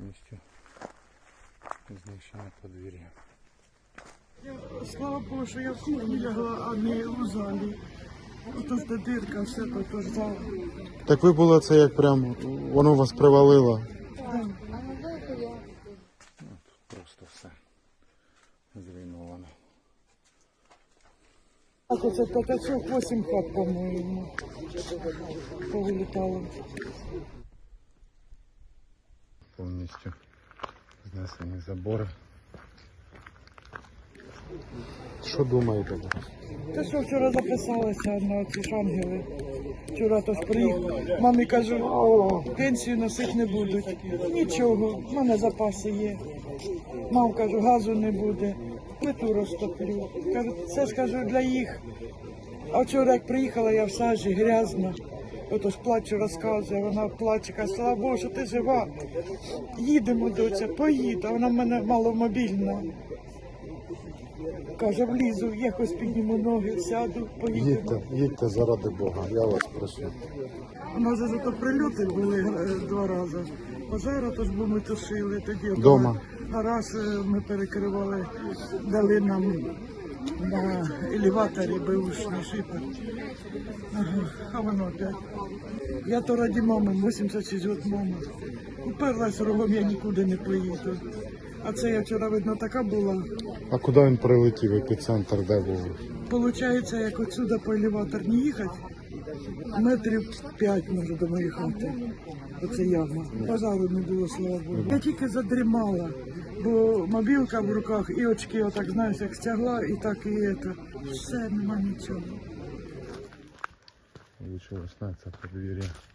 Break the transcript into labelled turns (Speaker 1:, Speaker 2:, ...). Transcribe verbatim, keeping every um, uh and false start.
Speaker 1: повністю знищене подвір'я.
Speaker 2: Слава Богу, що я в кухні лягла, а не у залі. Ото ж де дирка, все то, то ж зал.
Speaker 1: Так ви були це як прям, воно вас привалило?
Speaker 2: Да.
Speaker 1: Ну, тут просто все зруйновано.
Speaker 2: Так оце п'ятачок, вісім хат, по-моєму, повилітало.
Speaker 1: Повністю знесені забори. Що думаєте?
Speaker 2: Те, що вчора записалася на ці шангели. Вчора тож приїхав. Мамі кажу, пенсію носити не будуть. Нічого, в мене запаси є. Мам, кажу, газу не буде, плиту розтоплю. Кажу, це ж кажу для їх. А вчора як приїхала, я в сажі, грязна. Отож плачу, розказує, вона плаче, каже, слава Богу, що ти жива. Їдемо, доця, поїду, а вона в мене маломобільна. Каже, влізу, якось підніму ноги, сяду, поїдемо.
Speaker 1: Їдьте, їдьте заради Бога, я вас прошу.
Speaker 2: У нас же зато прильоти були е, два рази. Пожежу тож бо ми тушили, тоді
Speaker 1: Дома?
Speaker 2: гараж е, ми перекривали, дали нам на елеваторі беушний шипер. Ага, а воно опять. Я то раді мами, вісімдесят шість років мама. Уперлась рогом, я нікуди не поїду. А це я вчора, видно, така була.
Speaker 1: А куди він прилетів, епіцентр, де був?
Speaker 2: Получається, як отсюда по елеваторні їхати, метрів п'ять, може, до моєї хати. Оце яма. Пожару не було, слава Богу. Я тільки задрімала, бо мобілка в руках і очки отак, знаєш, як стягла, і так і це. Все, нема нічого.
Speaker 1: Влучилось на це подвір'я.